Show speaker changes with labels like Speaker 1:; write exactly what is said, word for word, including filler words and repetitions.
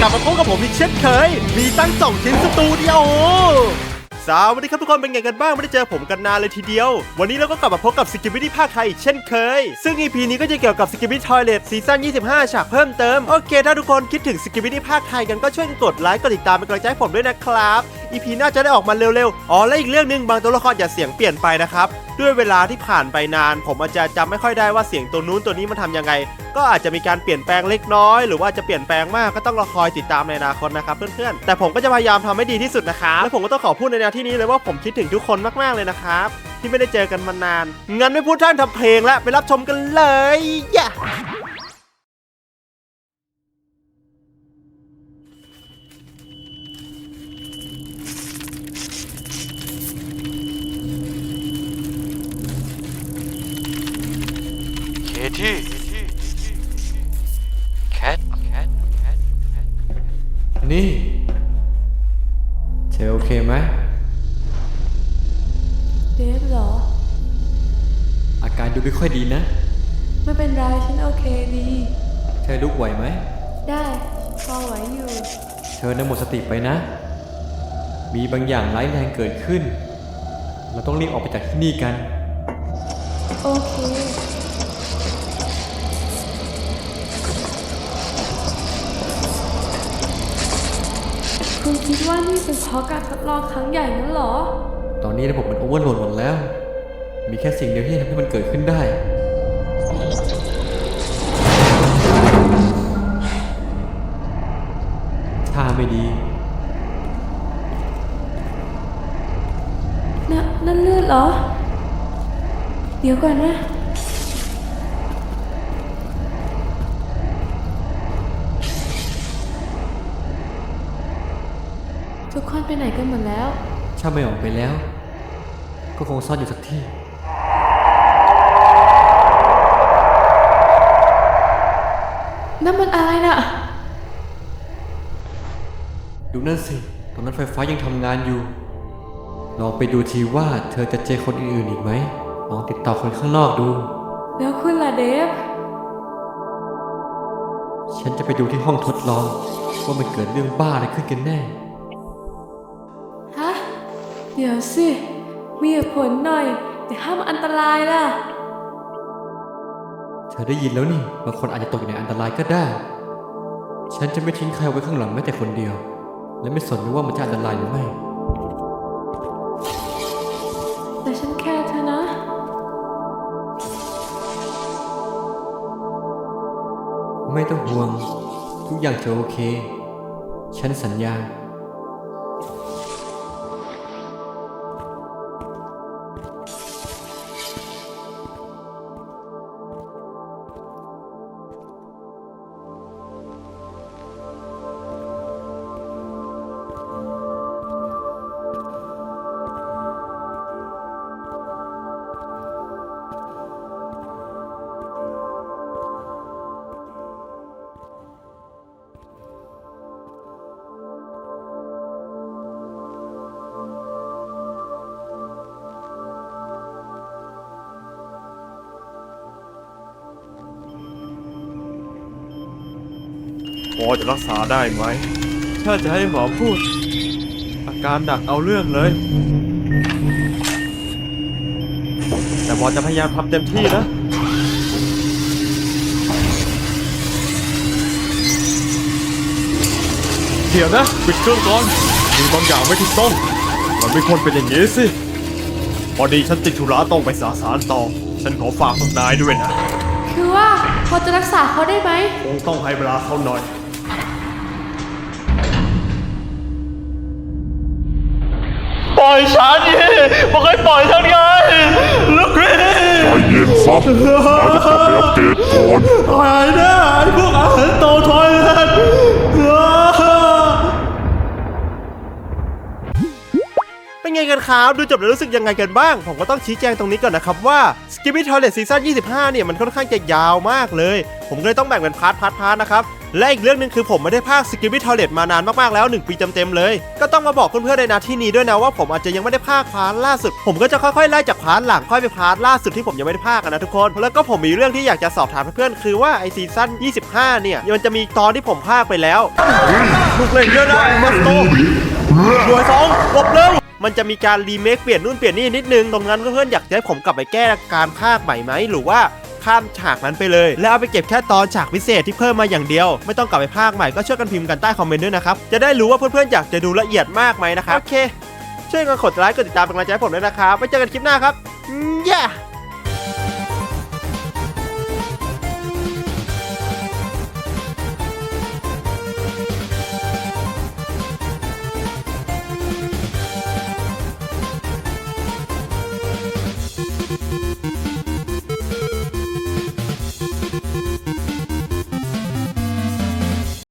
Speaker 1: ลับมาพบกับผมอีกเช่นเคยมีตั้งสองชิ้นสตูดิโอสวัสดีครับทุกคนเป็นไงกันบ้างไม่ได้เจอผมกันนานเลยทีเดียววันนี้เราก็กลับมาพบกับ Skibidi ภาคไทยเช่นเคยซึ่ง อี พี นี้ก็จะเกี่ยวกับ Skibidi Toilet ซีซั่นยี่สิบห้าฉากเพิ่มเติมโอเคถ้าทุกคนคิดถึง Skibidi ภาคไทยกันก็ช่วยกดไลค์กดติดตามเป็นกำลังใจให้ผมด้วยนะครับ อี พี น่าจะได้ออกมาเร็วๆอ๋อและอีกเรื่องนึงบางตัวละครอย่าเสียงเปลี่ยนไปนะครับด้วยเวลาที่ผ่านไปนานผมอาจจะจำไม่ค่อยได้ว่าเสียงตัวนู้นตัวนี้มันทำยังไงก็อาจจะมีการเปลี่ยนแปลงเล็กน้อยหรือว่าจะเปลี่ยนแปลงมากก็ต้องรอคอยติดตามในอนาคตนะครับเพื่อนๆแต่ผมก็จะพยายามทำให้ดีที่สุดนะครับและผมก็ต้องขอพูดในแนวที่นี้เลยว่าผมคิดถึงทุกคนมากๆเลยนะครับที่ไม่ได้เจอกันมานานงั้นไม่พูดท่านทำเพลงแล้วไปรับชมกันเลยย่า
Speaker 2: เคที่แคท
Speaker 3: นี่เธอโอเคไหม
Speaker 4: เดฟเหรอ
Speaker 3: อาการดูไม่ค่อยดีนะ
Speaker 4: ไม่เป็นไรฉันโอเคดี
Speaker 3: เธอลุกไหวไหม
Speaker 4: ได้พอไหวอยู่
Speaker 3: เธอน่ะหมดสติไปนะมีบางอย่างร้ายแรงเกิดขึ้นเราต้องรีบออกไปจากที่นี่กัน
Speaker 4: โอเคคุณคิดว่านี่เป็นเพราะการทดลองครั้งใหญ่นั้นเหรอ
Speaker 3: ตอนนี้ระบบมันโอเวอร์โหลดหมดแล้วมีแค่สิ่งเดียวที่ทำให้มันเกิดขึ้นได้ท่าไม่ดี
Speaker 4: น่ะนั่นเลือดเหรอเดี๋ยวก่อนนะทุกคนไปไหนกันหมดแล้ว
Speaker 3: ถ้าไม่ออกไปแล้วก็คงซ่อนอยู่สักที่
Speaker 4: นั่นมันอะไรน่ะ
Speaker 3: ดูนั่นสิตรงนั้นไฟฟ้ายังทำงานอยู่ลองไปดูทีว่าเธอจะเจอคนอื่นๆอีกไหมลองติดต่อคนข้างนอกดู
Speaker 4: แล้วคุณล่ะเดฟ
Speaker 3: ฉันจะไปดูที่ห้องทดลองว่ามันเกิดเรื่องบ้าอะไรขึ้นกันแน่
Speaker 4: ฮะเดี๋ยวสิมีเหตุผลหน่อยแต่ห้ามอันตรายล่ะ
Speaker 3: เธอได้ยินแล้วนี่บางคนอาจจะตกอยู่ในอันตรายก็ได้ฉันจะไม่ทิ้งใครไว้ข้างหลังแม้แต่คนเดียวและไม่สนว่ามันจะอันตรายหรือไม่
Speaker 4: แต่ฉันแค่เธอนะ
Speaker 3: ไม่ต้องห่วงทุกอย่างจะโอเคฉันสัญญา
Speaker 1: พอจะรักษาได้ไหมถ้าจะให้หมอพูดอาการหนักเอาเรื่องเลยแต่หมอจะพยายามทำเต็มที่นะเดี๋ยวนะปิดเครื่องก่อนมีบางอย่างไม่ถูกต้องมันไม่ควรเป็นอย่างนี้สิพอดีฉันติดธุระต้องไปสาสารต่อฉันขอฝากพวกนายด้วยนะ
Speaker 4: คือว่าพอจะรักษาเขาได้ไหม
Speaker 1: คงต้องให้เวลาเขาหน่อยปล่อยฉันดิบอกให้ปล่อยฉันไงลูกพี่ใจ
Speaker 5: เย็นซับเราจะกลับไปอัปเดตก่อน
Speaker 1: หายแน่ไอ้พวกอาหารโตทอยเลนเป็นไงกันกันครับดูจบแล้วรู้สึกยังไงกันบ้างผมก็ต้องชี้แจงตรงนี้ก่อนนะครับว่า Skibidi Toilet ซีซั่นยี่สิบห้าเนี่ยมันค่อนข้างจะยาวมากเลยผมก็เลยต้องแบ่งเป็นพาร์ทพาร์ทพาร์ทนะครับและอีกเรื่องนึงคือผมไม่ได้พากย์ Skibidi Toilet มานานมากๆแล้วหนึ่งปีเต็มๆเลยก็ต้องมาบอกเพื่อนๆในนาที่นี้ด้วยนะว่าผมอาจจะยังไม่ได้พากย์พาร์ทล่าสุดผมก็จะค่อยๆไล่จากพาร์ทหลังค่อยไปพาร์ทล่าสุดที่ผมยังไม่ได้พากย์นะทุกคนแล้วก็ผมมีเรื่องที่อยากจะสอบถามเพื่อนๆคือว่าไอซีซั่นยี่สิบห้าเนี่ยมันจะมีตอนที่ผมพากย์ไปแล้วลูกเล่นเยอะนะมาสโตหน่วยสองหลบเร็วมันจะมีการรีเมคเปลี่ยนนู่นเปลี่ยนนี่นิดนึงตรงนั้นเพื่อนๆอยากให้ผมกลับไปแก้การพากย์ใหม่ไหมหรือว่าข้ามฉากนั้นไปเลยแล้วเอาไปเก็บแค่ตอนฉากพิเศษที่เพิ่มมาอย่างเดียวไม่ต้องกลับไปพากย์ใหม่ก็ช่วยกันพิมพ์กันใต้คอมเมนต์ด้วยนะครับจะได้รู้ว่าเพื่อนๆอยากจะดูละเอียดมากไหมนะครับโอเคช่วยกันกดไลค์กดติดตามเป็นกำลังใจให้ผมด้วยนะครับไว้เจอกันคลิปหน้าครับ yeah